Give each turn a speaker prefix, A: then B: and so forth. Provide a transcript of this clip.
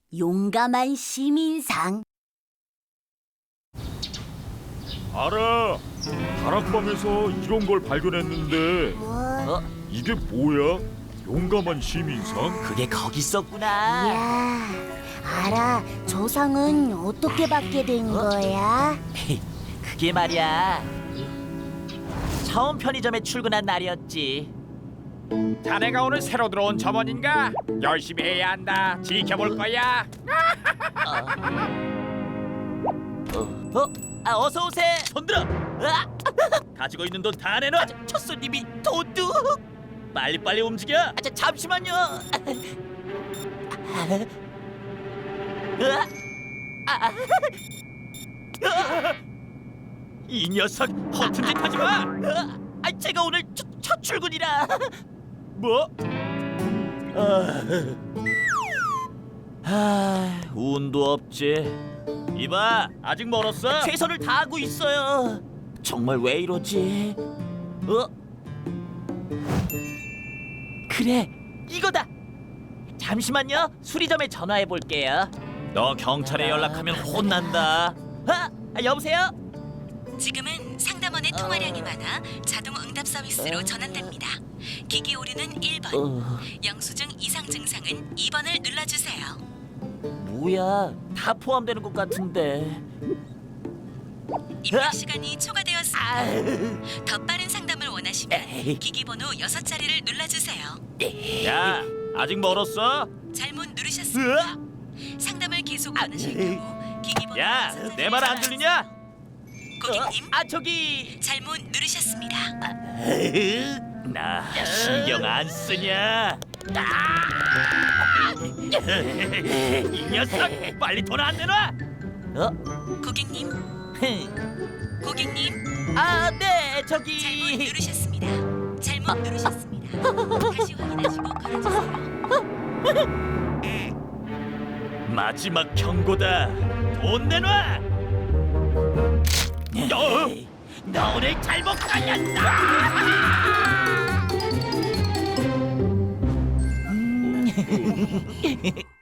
A: 용감한 시민상.
B: 알아. 다락방에서 이런 걸 발견했는데
A: 뭐?
B: 이게 뭐야? 용감한 시민상?
C: 그게 거기 있었구나.
A: 이야, 알아. 저 상은 어떻게 받게 된 거야?
C: 그게 말이야. 처음 편의점에 출근한 날이었지.
D: 자네가 오늘 새로 들어온 점원인가? 열심히 해야 한다. 지켜볼 거야.
C: 어서 오세요. 손들어. 가지고 있는 돈 다 내놔. 첫 손님이 도둑. 빨리빨리 움직여. 잠시만요. 이 녀석 허튼 짓 하지 마. 제가 오늘 첫 출근이라. 뭐? 운도 없지. 이봐, 아직 멀었어? 최선을 다하고 있어요. 정말 왜 이러지? 그래, 이거다. 잠시만요. 수리점에 전화해 볼게요. 너 경찰에 연락하면 혼난다. 여보세요?
E: 지금은 상담원의 통화량이 많아 자동 응답 서비스로 전환됩니다. 기기 오류는 1번, 영수증 이상 증상은 2번을 눌러주세요.
C: 뭐야, 다 포함되는 것 같은데.
E: 입력 시간이 초과되었습니다. 더 빠른 상담을 원하시면
C: 에이.
E: 기기 번호 6자리를 눌러주세요.
C: 야, 아직 멀었어?
E: 잘못 누르셨습니다. 상담을 계속 원하실 경우 기기 번호
C: 야,
E: 6자리를
C: 내 말 안 들리냐?
E: 고객님,
C: 저기.
E: 잘못 누르셨습니다.
C: 나 신경 안 쓰냐? 이 녀석, 빨리 돈 안 내놔.
E: 고객님, 고객님,
C: 네,
E: 잘못
C: 저기.
E: 누르셨습니다. 잘못 누르셨습니다. 다시 확인하시고 걸어주세요.
C: 마지막 경고다. 돈 내놔. 너 오늘 잘못 걸렸다.